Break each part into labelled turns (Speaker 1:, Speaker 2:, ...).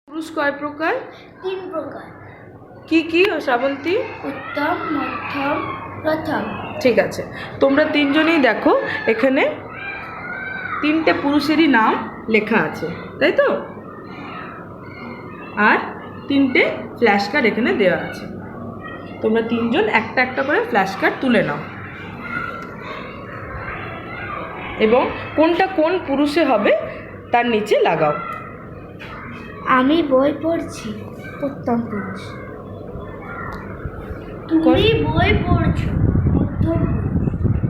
Speaker 1: পুরুষ কয় প্রকার?
Speaker 2: 3 প্রকার।
Speaker 1: কি কি ও শ্রাবন্তী?
Speaker 2: উত্তম, মধ্যম, প্রথম।
Speaker 1: ঠিক আছে, তোমরা তিনজনেই দেখো এখানে 3টে পুরুষেরই নাম লেখা আছে, তাই তো? আর 3টে ফ্ল্যাশ কার্ড এখানে দেওয়া আছে। তোমরা তিনজন একটা একটা করে ফ্ল্যাশ কার্ড তুলে নাও এবং কোনটা কোন পুরুষে হবে তার নিচে লাগাও।
Speaker 2: আমি বই পড়ছি, উত্তম পুরুষ। তুমি বই পড়ছো, মধ্যম পুরুষ।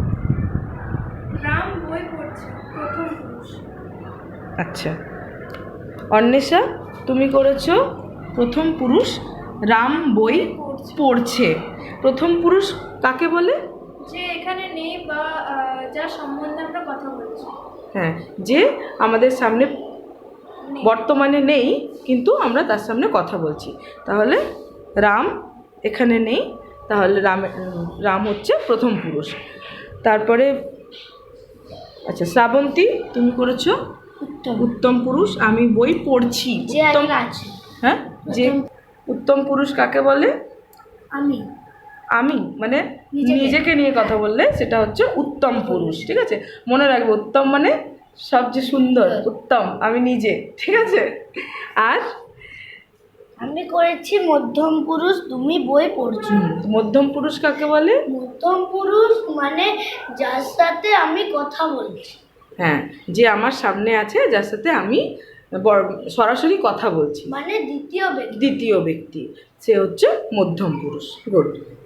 Speaker 2: রাম বই পড়ছে, প্রথম পুরুষ।
Speaker 1: আচ্ছা, অন্বেষা তুমি করেছো প্রথম পুরুষ, রাম বই পড়ছে। প্রথম পুরুষ কাকে বলে?
Speaker 2: যে এখানে নেই বা যার সম্বন্ধে আমরা কথা বলছি।
Speaker 1: হ্যাঁ, যে আমাদের সামনে বর্তমানে নেই কিন্তু আমরা তার সামনে কথা বলছি। তাহলে রাম এখানে নেই, তাহলে রাম হচ্ছে প্রথম পুরুষ। তারপরে আচ্ছা, শ্রাবন্তী তুমি করেছো উত্তম পুরুষ, আমি বই পড়ছি। উত্তম
Speaker 2: আছে।
Speaker 1: হ্যাঁ, যে উত্তম পুরুষ কাকে বলে?
Speaker 2: আমি
Speaker 1: আমি মানে নিজেকে নিয়ে কথা বললে সেটা হচ্ছে উত্তম পুরুষ। ঠিক আছে, মনে রাখবে উত্তম মানে সবচেয়ে সুন্দর, উত্তম আমি নিজে। ঠিক আছে, আর
Speaker 2: আমি করেছি মধ্যম পুরুষ, তুমি বই পড়ছো।
Speaker 1: মধ্যম পুরুষ কাকে বলে?
Speaker 2: মধ্যম পুরুষ মানে যার সাথে আমি কথা বলছি।
Speaker 1: হ্যাঁ, যে আমার সামনে আছে, যার সাথে আমি সরাসরি কথা বলছি,
Speaker 2: মানে দ্বিতীয় ব্যক্তি।
Speaker 1: দ্বিতীয় ব্যক্তি, সে হচ্ছে মধ্যম পুরুষ। গুড।